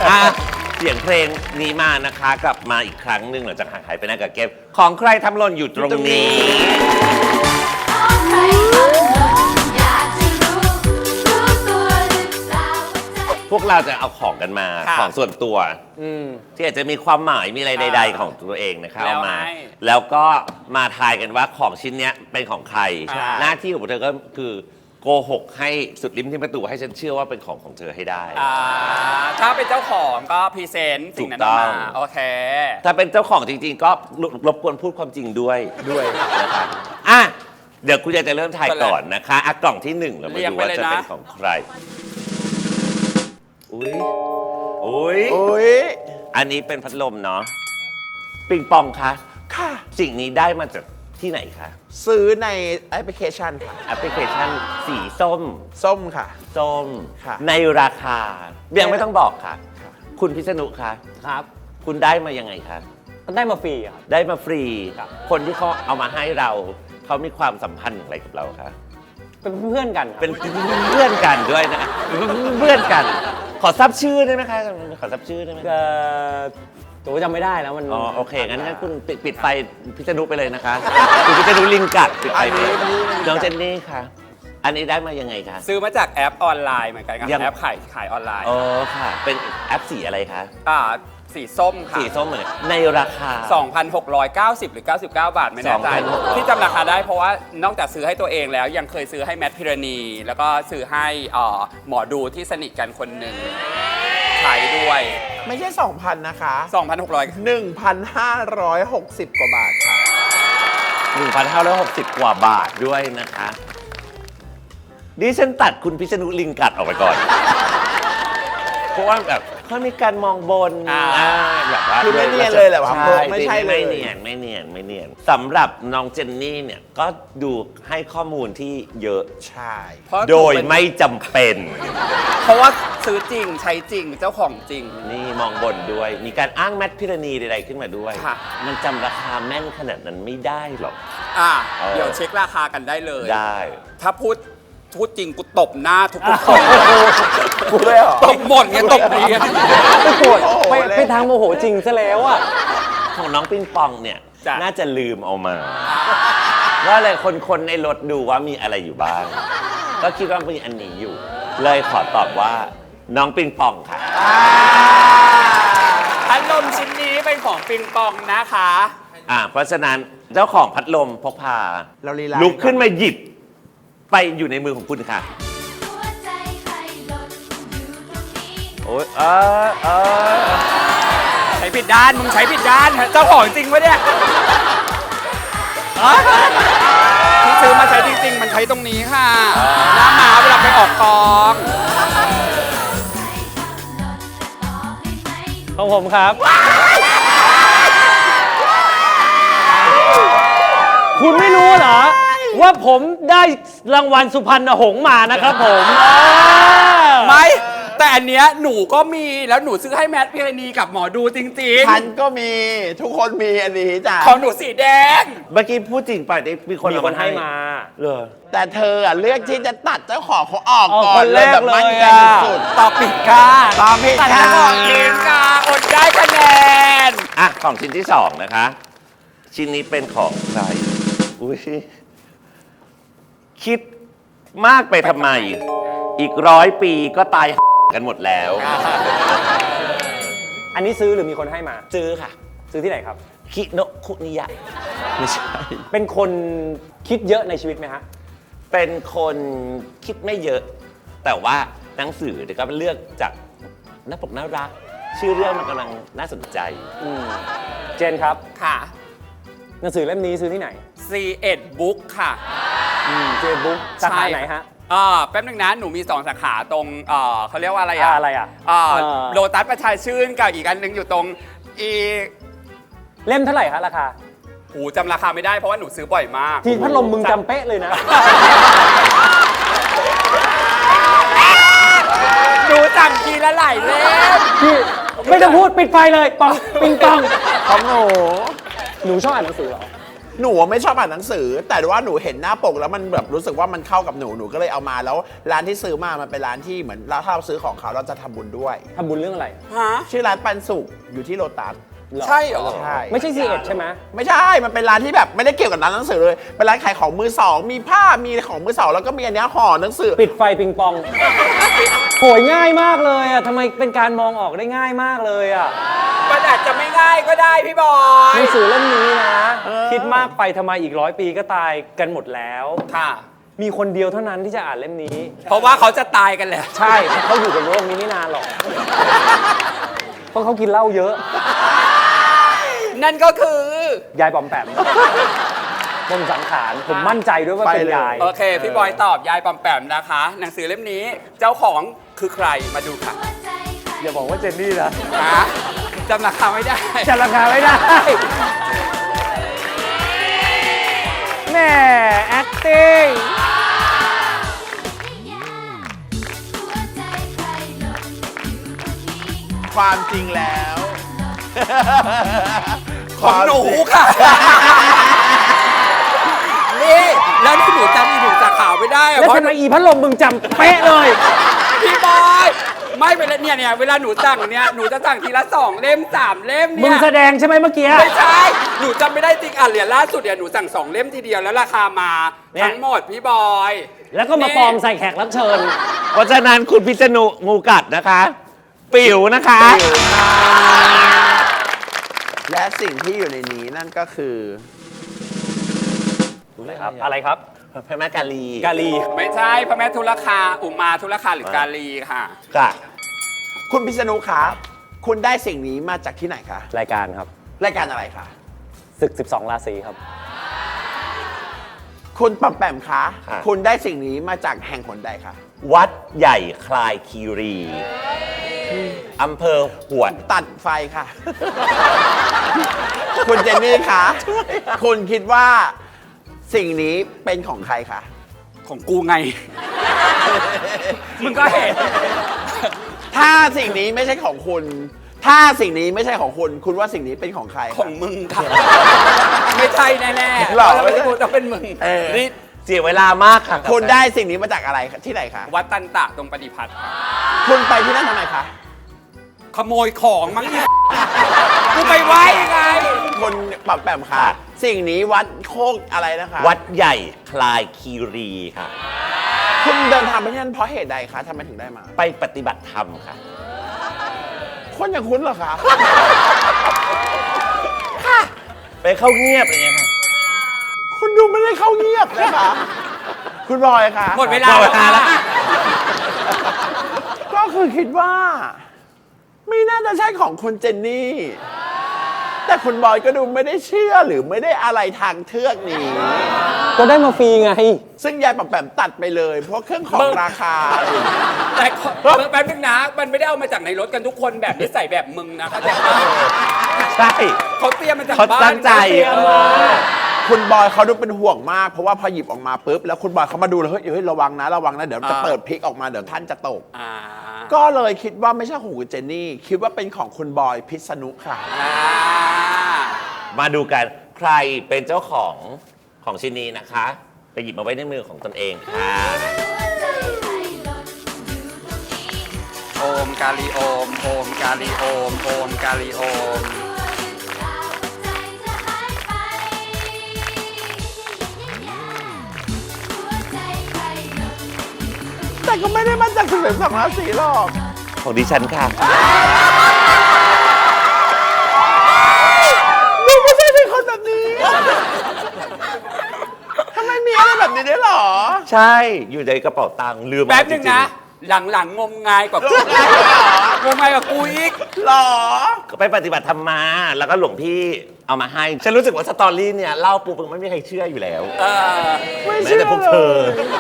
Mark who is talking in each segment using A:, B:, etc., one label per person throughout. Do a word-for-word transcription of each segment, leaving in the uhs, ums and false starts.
A: อ่ะเสียงเพลงนี้มานะคะกลับมาอีกครั้งหนึ่งหลังจากห่างหายไปนานกับเกมของใครทำหล่นอยู่ตรงนี้ พวกเราจะเอาของกันมาของส่วนตัวที่อาจจะมีความหมายมีอะไรใดๆของตัวเองนะคะเอามาแล้วก็มาทายกันว่าของชิ้นนี้เป็นของใครหน้าที่ของเธอก็คือโกหกให้สุดลิ้มที่ประตูให้ฉันเชื่อว่าเป็นของของเธอให้ได้
B: ถ้าเป็นเจ้าของก็พรีเซนต์สิ่งนั้นออกมาโอเค
A: ถ้าเป็นเจ้าของจริงๆก็รบกวนพูดความจริงด้วยด้วยนะครับอ่ะเดี๋ยวคุณยายจะเริ่มทายก่อนนะคะอ่ะกล่องที่หนึ่งเรามาดูว่าจะเป็นของใครอุ้ยอุ้ยอุ้ยอันนี้เป็นพัดลมเนาะปิงปองคะค่ะสิ่งนี้ได้มาจากที่ไหนคะ
C: ซื้อในแอปพลิเคชันค่ะ
A: แอปพลิเคชันสีส้ม
C: ส้มค่ะ
A: ส้มค่ะในราคายังไม่ต้องบอกค่ะคุณพิษณุคะ
D: ครับ
A: คุณได้มายังไงคะ
D: ได้มาฟรีครับ
A: ได้มาฟรีคนที่เขาเอามาให้เราเขามีความสัมพันธ์อย่างไรกับเราคะ
D: เป็นเพื่อนกัน
A: เป็นเพื่อนกันด้วยนะเพื่อนกันขอทราบชื่อได้ไหมคะขอทราบชื่อได้ไหม
D: เออตัวจำไม่ได้แล้วมัน
A: อ๋อโอเคงั้นงั้นคุณปิดปิดไฟพิษณุไปเลยนะคะคุณพิษณุลิงกัดปิดไฟไปน้องเจนนี่ค่ะอันนี้ได้มายังไงคะ
B: ซื้อมาจากแอปออนไลน์เหมือนกันครับแอปขายขายออนไลน์
A: อ๋อค่ะเป็นแอปสีอะไรคะ
B: อ่าสีส้มค่ะ
A: สีส้มเหมือนในราคา
B: สองพันหกร้อยเก้าสิบ หรือเก้าสิบเก้าบาทไม่แน่ใจที่จำราคาได้เพราะว่านอกจากซื้อให้ตัวเองแล้วยังเคยซื้อให้แมทพิรณีแล้วก็ซื้อให้หมอดูที่สนิทกันคนหนึ่งขายด้วย
C: ไม่ใช่ สองพัน นะคะ
B: สองพันหกร้อย
C: หนึ่งพันห้าร้อยหกสิบ กว่าบาทค่ะ
A: หนึ่งพันห้าร้อยหกสิบ กว่าบาทด้วยนะคะดิฉันตัดคุณพิษณุลิงกัดออกไปก่อนเพราะว่าแบบเขามีการมองบน
C: แบบว่าคือไม่เนียนเลยแหละว่าไม่ใช่เลย
A: ไม่เนียนไม่เนียนไม่เนียนสำหรับน้องเจนนี่เนี่ยก็ดูให้ข้อมูลที่เยอะ
C: ใช่
A: โดยไม่จำเป็น
B: เพราะว่าซื้อจริงใช้จริงเจ้าของจริง
A: นี่มองบนด้วยมีการอ้างแมทพิรณีใดๆขึ้นมาด้วยมันจำราคาแม่นขนาดนั้นไม่ได้หรอก
B: อ่ะเดี๋ยวเช็คราคากันได้เลย
A: ได้
B: ถ้าพูดพูดจริงกูตบหน้าทุกคน
C: กูเลยเหรอ
B: ตบหมดไงตบนี้
D: ไม่โกรธไปทางโมโหจริงซะแล้วอ่ะ
A: ของน้องปิงปองเนี่ยน่าจะลืมเอามาว่าอะไรคนๆในรถดูว่ามีอะไรอยู่บ้างก็คิดว่ามีอันนี้อยู่เลยขอตอบว่าน้องปิงปองค่ะ
B: พัดลมชิ้นนี้เป็นของปิงปองนะคะ
A: อ่าเพราะฉะนั้นเจ้าของพัดลมพกพา
C: เราลี
A: ลาลุกขึ้นมาหยิบไปอยู่ในมือของคุณค่ะโอ้ยเออเออ
B: ใช้ผิดด้านมึงใช้ผิดด้านเจ้าของจริงปะเนี่ยที่ซื้อมาใช้จริงๆมันใช้ตรงนี้ค่ะหน้ามาเวลาไปออกกอง
D: ของผมครับคุณไม่รู้เหรอว่าผมได้รางวัลสุพรรณหงส์มานะครับผม
B: ไม่แต่อันเนี้ยหนูก็มีแล้วหนูซื้อให้แมทพิรณีกับหมอดูจริง
C: ๆฉันก็มีทุกคนมีอันนี้จ้ะ
B: ของหนูสีแดง
A: เมื่อกี้พูดจริงไปมีคน
D: มีคนให้มา
A: เลย
C: แต่เธอเลือกที่จะตัดเจ้าของเขาออกก่อน
D: เลยแบบมั่นใจ
C: สุด
B: ตอบผิดค่ะ
C: ตอบผิดค่ะ
B: ตัดของเองค่ะอดได้คะแนน
A: อ่ะของชิ้นที่สองนะคะชิ้นนี้เป็นของใครอุ้ยคิดมากไปทำไมอีกร้อยปีก็ตายกันหมดแล้ว
D: อันนี้ซื้อหรือมีคนให้มา
A: ซื้อค่ะ
D: ซื้อที่ไหนครับ
A: คิโนะคุนิยะไม่ใช่
D: เป็นคนคิดเยอะในชีวิตไหมฮะ
A: เป็นคนคิดไม่เยอะแต่ว่าหนังสือเดี๋ยวก็เลือกจากหน้าปกน่ารักชื่อเรื่องมันกำลังน่าสนใจ
D: เจนครับ
B: ค่ะ
D: หนังสือเล่มนี้ซื้อที่ไหน
B: ซี เอ็ด บุ๊กค่ะ
D: เจนบุ๊กสาขาไหนฮะ
B: อ่าแป๊บนึงนะหนูมีสองสาขาตรงเอ่อเขาเรียกว่าอะไรอ่ะ
D: อะไรอ่ะ
B: อ่าโลตัสประชาชื่นกับอีกอันหนึ่งอยู่ตรงอี
D: เล่มเท่าไหร่คะราคา
B: โอ้จำราคาไม่ได้เพราะว่าหนูซื้อบ่อยมาก
D: ทีพัดลมมึงจำเป๊ะเลยนะ
B: หนูจำทีละหลายเล่ม
D: พี่ไม่ต้องพูดปิดไฟเลยปองปิงปองของหนูหนูชอบอ่านหนังสือเหรอ
C: หนูไม่ชอบอ่านหนังสือ แต่ว่าหนูเห็นหน้าปกแล้วมันแบบรู้สึกว่ามันเข้ากับหนูหนูก็เลยเอามาแล้วร้านที่ซื้อมามันเป็นร้านที่เหมือนถ้าเราซื้อของเขาเราจะทำบุญด้วย
D: ทำบุญเรื่องอะไร
B: ฮะ
C: ชื่อร้านปันสุกอยู่ที่โลตัส
B: ใช่เหรอ
C: ใช่
D: ไม่ใช่ซีเอ็ดใช่ไหม
C: ไม่ใช่ มันเป็นร้านที่แบบไม่ได้เกี่ยวกับร้านหนังสือเลย เป็นร้านขายของมือสอง มีผ้า มีของมือสองแล้วก็มีอันเนี้ยห่อหนังสือ
D: ปิดไฟปิงปองโหยง่ายมากเลยอ่ะทำไมเป็นการมองออกได้ง่ายมากเลยอ่ะ
B: มันอาจจะไม่ง่ายก็ได้พี่บอย
D: หนังสือเล่มนี้นะ
C: เออ
D: คิดมากไปทำไมอีกร้อยปีก็ตายกันหมดแล้ว
B: ค่ะ
D: มีคนเดียวเท่านั้นที่จะอ่านเล่มนี้
B: เพราะว่าเขาจะตายกันแล้ว
D: ใช่เขาอยู่กับโลกนี้ไม่นานหรอก เพราะเขากินเหล้าเยอะ
B: นั่นก็คือ
D: ยายปอมแปมปมสังขารผมมั่นใจด้วยว่าเป็นยาย
B: โอเค พี่บอยตอบยายปอมแปมนะคะ หนังสือเล่มนี้เจ้าของคือใครมาดูค่ะ
D: อย่าบอกว่าเจนนี่นะ
B: ฮะจำราคาไม่ได้
D: จะราคาไม่ได้แม่ acting
C: ความจริงแล้ว
B: ของหนูค่ะ นี่แล้วนี่หนูจำอีหนูจากข่าวไม่ได้อะ
D: แล้ว
B: เพราะ
D: ทำไมอีพัดลมมึงจำเป๊ะเลย
B: พี่บอยไม่เป็นไรเนี่ยเนี่ยเวลาหนูสั่งเนี่ยหนูจะสั่งทีละสองเล่มสามเล่ม
D: มึ
B: เนี่
D: ง
B: ย
D: แสดงใช่ไหมเมื่อกี้
B: ไม่ใช่หนูจำไม่ได้จริงอ่ะเหรียญล่าสุดเนี่ยหนูสั่งสองเล่มทีเดียวแล้วราคามา
D: เนี่ย
B: ทั้งหมดพี่บอย
D: แล้วก็มาปลอมใส่แขกรับเชิญ
A: เพราะฉะนั้นคุณพิษณุงูกัดนะคะ ปิ๋วนะคะ
C: และสิ่งที่อยู่ในนี้นั่นก็คือ
D: อะไรครับ อะไรครับ
A: พระแม่กาลี
D: กาลี
B: ไม่ใช่พระแม่ทุลคาอุมาทุลคาหรือกาลีค่ะ
A: ค่ะ
C: คุณพิษณุคะคุณได้สิ่งนี้มาจากที่ไหนคะ
D: รายการครับ
C: รายการอะไรคะ
D: ศึก สิบสอง ราศีครับ
C: คุณปั๊มแปมคะ
A: ครับ
C: คุณได้สิ่งนี้มาจากแห่งหนใดคะ
A: วัดใหญ่คลายคีรีอำเภอหวด
C: ตัดไฟค่ะ คุณเจนนี่คะคุณคิดว่าสิ่งนี้เป็นของใครคะ
B: ของกูไง มึงก็เห็น
C: ถ้าสิ่งนี้ไม่ใช่ของคุณ ถ้าสิ่งนี้ไม่ใช่ของคุณ คุณว่าสิ่งนี้เป็นของใคร
B: ข
C: คะ
B: องมึงค่ะ ไม่ใช่แน่ๆ
C: หรอ
B: เพราะถ้าเป็นกูจะเป็นมึง
C: เออ
B: นี่
A: เสียเวลามากค่ะ
C: คุณได้สิ่งนี้มาจากอะไรคะที่ไหนคะ
B: วัดตันตะตรงปฏิพัฒน์ค่ะ
C: คุณไปที่นั่นทำไมคะ
B: ขโมยของมั้งเนี่ยกูไปไว้ไง
C: คนปั๊มแปมค่ะ สิ่งนี้วัดโคกอะไรนะคะ
A: วัดใหญ่คลายคีรีค่ะ
C: คุณเดินทางไปที่นั่นเพราะเหตุใดคะทำไมถึงได้มา
A: ไปปฏิบัติธรรมค่ะ
C: คนอย่างคุณเหรอคะ
A: ไปเข้าเงียบอะไรเงี้ยค่ะ
C: คุณดูไม่ได้เข้าเงียบนะคะ คุณบอยค่ะ
B: หมดเวลา
A: หมดเว
B: แล้ว
A: ลาแล้ว
B: ค่ะ
C: ก็คือคิดว่า ไม่น่าจะใช่ของคุณเจนนี่ แต่คุณบอยก็ดูไม่ได้เชื่อหรือไม่ได้อะไรทางเทือกนี้
D: ก็ได้มาฟรีไง
C: ซึ่งยายปั๊มแปมตัดไปเลย เพราะเครื่องของราคา
B: แต่ขอแป๊บนึงนะ มันไม่ได้เอามาจากในรถกันทุกคนแบบนิสัยแบบมึงนะเข้าใจปะ
A: ใช่
B: เขาเตรียมมาจาก
A: เขา
B: บ้าน
A: ตั้งใจ
B: เขาเตรียมมา
C: คุณบอยเขาดูเป็นห่วงมาก เพราะว่าพอหยิบออกมาปุ๊บแล้วคุณบอยเขามาดูแล้วเฮ้ยเฮ้ยระวังนะระวังนะเดี๋ยวจะเปิดพลิกออกมาเดี๋ยวท่านจะตก
B: อ่า
C: ก็เลยคิดว่าไม่ใช่ของคุณเจนนี่ คิดว่าเป็นของคุณบอยพิษณุค่ะ
B: อ่า
A: มาดูกันใครเป็นเจ้าของของชิ้นนี้นะคะ ไปหยิบมาไว้ในมือของตนเองค่ะ
B: โอมกาลีโอมโอมกาลีโอมโอมกาลีโอม
C: แต่ก็ไม่ได้มาจากสิบสองราศีหรอก
A: ของดิฉันค่ะ
C: ดูไม่ใช่เป็นคนแบบนี้ ทำไมมีอะไรแบบนี้ด้วยหรอ
A: ใช่อยู่ในกระเป๋าตังค์ลืม
B: แป๊บนึง
A: จริ
B: นะ หลังๆงมงายกว่ากูงมงายกว่ากูอีก
C: หรอ
A: ก็ไปปฏิบัติธรรมมา แล้วก็หลวงพี่เอามาให้ ฉันรู้สึกว่าสตอรี่เนี่ยเล่าปุ๊บมันไม่มีใครเชื่ออยู่แล้ว
B: เออ
C: ไม่
A: แม้
C: เชื่อ
A: แต่พวกเธอ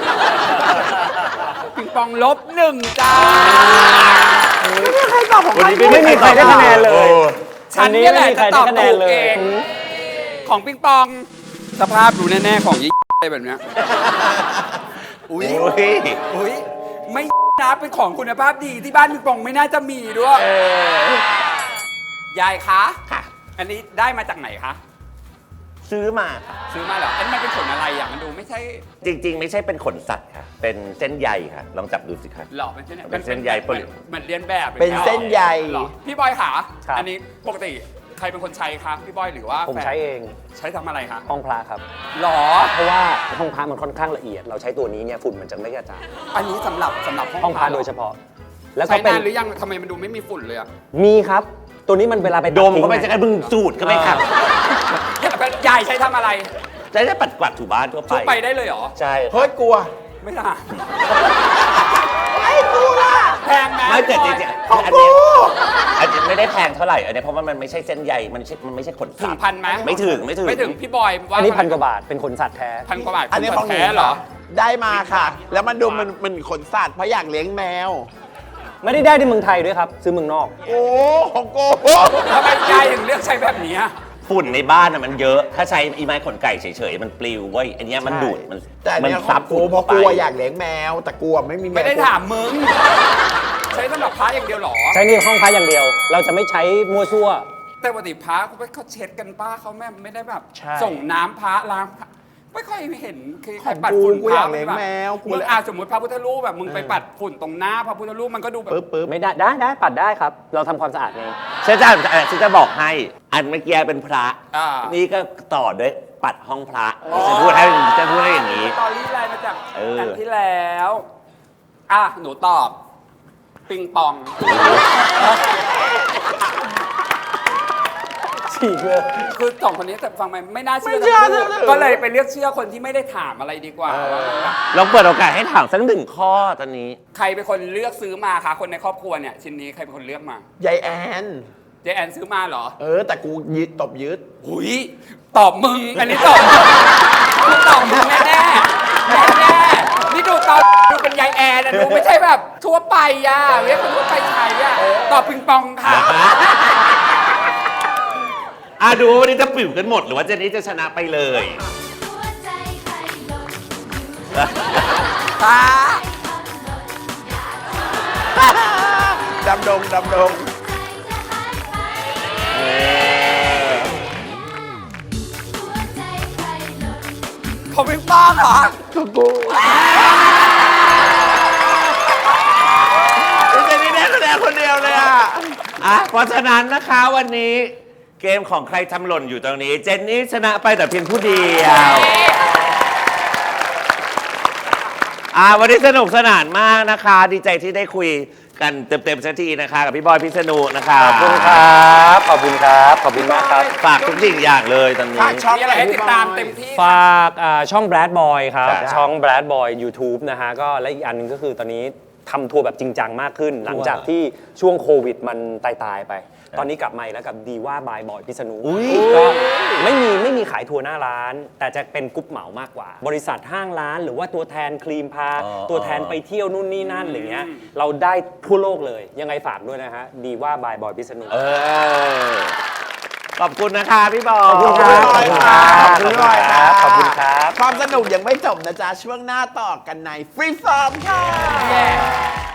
B: ปิงปองลบหนึ่งจ้า
C: ไม่มีใครตอบของ
A: วัน
C: ใคร
A: นี้
D: ไม่มีใครได้คะแนนเลย
B: ฉันเนี่ยแหละจะตอบถูกเอง ของปิงปอง สภาพดูแน่ๆของยี่อะไรแบบเนี้ยอุ้ย
A: โอ้ย
B: อุ้ยไม่นะเป็นของคุณภาพดีที่บ้านปิงปองไม่น่าจะมีด้วยยายคะ
A: ค่ะ
B: อันนี้ได้มาจากไหนคะ
A: ซื้อมาค่ะ
B: ซื้อมาเหรออันนี้มันเป็นขนอะไรอ่ะมันดูไม่ใช่
A: จริง ๆ ไม่ใช่เป็นขนสัตว์ค่ะ เป็นเส้นใยค่ะ ลองจับดูสิคะ
B: หรอเป็นเส้น
A: เป็นเส้นใย
B: เหมือนเหมือนเรียนแบบ
C: เป็นเส้นใย
B: หรอพี่บอยค่ะ
E: ครับ
B: อันนี้ปกติใครเป็นคนใช้ครับพี่บอยหรือว่า
E: ผม
B: แฟน
E: ใช้เอง
B: ใช้ทำอะไรคะ
E: ห้องพระครับ
B: หรอ
E: เพราะว่าห้องพระมันค่อนข้างละเอียด เราใช้ตัวนี้เนี่ยฝุ่นมันจะไม่กระจาย
B: อันนี้สำหรับสำหรับห้อง
E: ห้องพระ
B: ห
E: โดยเฉพาะ แล้วก็
B: ใช้
E: เป็น
B: นานหรือยังทำไมมันดูไม่มีฝุ่นเลยอะ
E: มีครับ ตัวนี้มันเวลาไป
A: ดมก็ไม่
E: ทิ้
A: ใช่
E: ง
A: การบึงสูดก็ไม่ค่ะ
B: ยายใช้ทำอะไร
A: ใช้ได้ปัดกวาดถูบ้านทั่วไป
B: ทุบไปได้เลยเหรอ
E: ใช่
C: เฮ้ยกลัว
B: ไม่ได้
C: ไอ้กูล่ะ
B: แพงไหม
A: ไม่แต่จ
B: พี่
A: ริง
B: บอย
A: ๆ
C: ของ
A: อัน
C: กู
A: นี้อันนี้ไม่ได้แพงเท่าไหร่ อันนี้เพราะว่ามันไม่ใช่เส้นใยมันไม่ใช่มันไม่ใช่ขน
B: ถึ
A: สั
B: ง
A: ตว์
B: พันไหม
A: ไม่ถึงไม่ถึง
B: ไม่ถึงพี่บอยว่า
E: อันนี้พันกว่าบาท เป็นขนสัตว์แท้
B: พันกว่าบาท
C: อันนี้ของหนู
B: แท้เหรอ
C: ได้มาค่ะ แล้วมันดูมันมันขนสัตว์เพราะอยากเลี้ยงแมว
E: ไม่ได้ได้ในเมืองไทยด้วยครับ ซื้อเมืองนอก
C: โอ้ของกู
B: ทำไมยายถึงเลือกใช้แบบนี้อะ
A: ฝุ่นในบ้านน่ะมันเยอะ ถ้าใช้อีไม้ขนไก่เฉยๆ มันปลิวเว้ย อันเนี้ยมันดูด มัน
C: แต่อัน
A: มั
C: เนี้ยข
A: ซั
C: อบ งกู
A: ฝุ่น
C: เพราะ
A: ไป
C: กลัวอยากเลี้ยงแมว แต่กลัวไม่มีแมว
B: ไม่ได้ถามมึง ใช้สำหรับพระอย่างเดียวเหรอ
E: ใช้ในห้องพระอย่างเดียว เราจะไม่ใช้มั่วซั่ว
B: แต่ปกติพระเขาเช็ดกันป้าเขาแม่ไม่ได้แบบ
E: ใช่
B: ส่งน้ำพระล้างพระไม่ค่อยเห็นคือใคร
C: ของ
B: ปัด
C: กู
B: ฝุ่น
C: กู
B: พ
C: อ
B: ระ
C: ยากเลี้ยง
B: แบบ
C: แมวกู
B: มึง
C: เลย
B: อาสมมติพระพุทธรูปแบบมึงไปปัดฝุ่นตรงหน้าพระพุทธรูปมันก็ดูแบบ
C: ปึ๊บปึ๊บ
E: ไม่ได้ได้ได้ปัดได้ครับ เราทำความสะอาดเอง
A: ฉันจะเอ่อฉันจะบอกให้ อันเมื่อกี้เป็นพระ
B: อ่า
A: นี่ก็ต่อด้วยปัดห้องพระจะพูดให้จะพูดให้อย่างนี้
B: ตอรี่ไลน์มาจาก
A: เออ
B: อันที่แล้ว อ่ะ หนูตอบ ปิงปอง
E: ฉีกเลย
B: คือสองคนนี้แต่ฟังไปไม่น่าเชื่อ
C: ไม่เชื่อ
B: ทั้งคู่
C: เลย
B: ก็เลยไปเลือกเชื่อคนที่ไม่ได้ถามอะไรดีกว่า
A: ลองเปิดโอกาสให้ถามสักหนึ่งข้อตอนนี้
B: ใครเป็นคนเลือกซื้อมาคะคนในครอบครัวเนี่ย ชิ้นนี้ใครเป็นคนเลือกมาย
C: ายแอน
B: เจแอนซื้อมาเหรอ
C: เออ แต่กูยึดตบยึด
B: หุยตอบมึง อันนี้ตอบมึงกูตอบมึงแน่แน่แน่แน่ๆนี่ดูตอบดูเป็นยายแอนนะดูไม่ใช่แบบทั่วไปย่ะเรียกคนทั่วไปใช้อ่ะตอบปิงปองค่ะ
A: อ่ะดูว่าวันนี้จะปิ่วกันหมดหรือว่าเจนนี่จะชนะไปเลย
B: ค่ะ
C: ดำดง ดำดง
B: ผมปิงปองเหรอ
C: กูกูเจนนี่ได้คะแนนคนเดียวเลยอ่ะ
A: อ่ะเพราะฉะนั้นนะคะวันนี้เกมของใครทำหล่นอยู่ตรงนี้ เจนนี่ชนะไปแต่เพียงผู้เดียวอ่ะวันนี้สนุกสนานมากนะคะ ดีใจที่ได้คุยกันเต็มๆสักทีนะคะกับพี่บอยพิษณุนะคะ
E: ขอบคุณครับ ขอบคุณครับ ขอบคุณมากครับ
A: ฝากทุกสิ่งอย่างเลยตอนนี้
C: ฝากช่อง
B: มีอะไรให้ติดตามเต็มที่
E: ฝากอ่าช่อง Brad Boy ครับ
A: ครับ
E: ช่อง Brad Boy YouTube นะฮะ ก็และอีกอันหนึงก็คือตอนนี้ทำทัวร์แบบจริงจังมากขึ้น หลังจากที่ช่วงโควิดมันตายตายๆไป ตอนนี้กลับมาอีกแล้วกับดีว่าบายบอยพิษณุก็ไม่มีไม่มีขายทัวร์หน้าร้าน แต่จะเป็นกรุ๊ปเหมามากกว่า บริษัทห้างร้านหรือว่าตัวแทนครีมพา
A: อ๋อ
E: ตัวแทนไปเที่ยวนู่นนี่นั่นอะไรเงี้ยเราได้ทั่วโลกเลย ยังไงฝากด้วยนะฮะดีว่าบายบอยพิษณุ
A: เออขอบคุณนะคะพี่บอย
E: ขอบคุณครับ
C: ขอบคุณครับ
E: ขอบคุณครับ ขอบคุณครับ
C: ความสนุกยังไม่จบนะจ๊ะ ช่วงหน้าต่อกันในฟรีฟอร์มค่ะ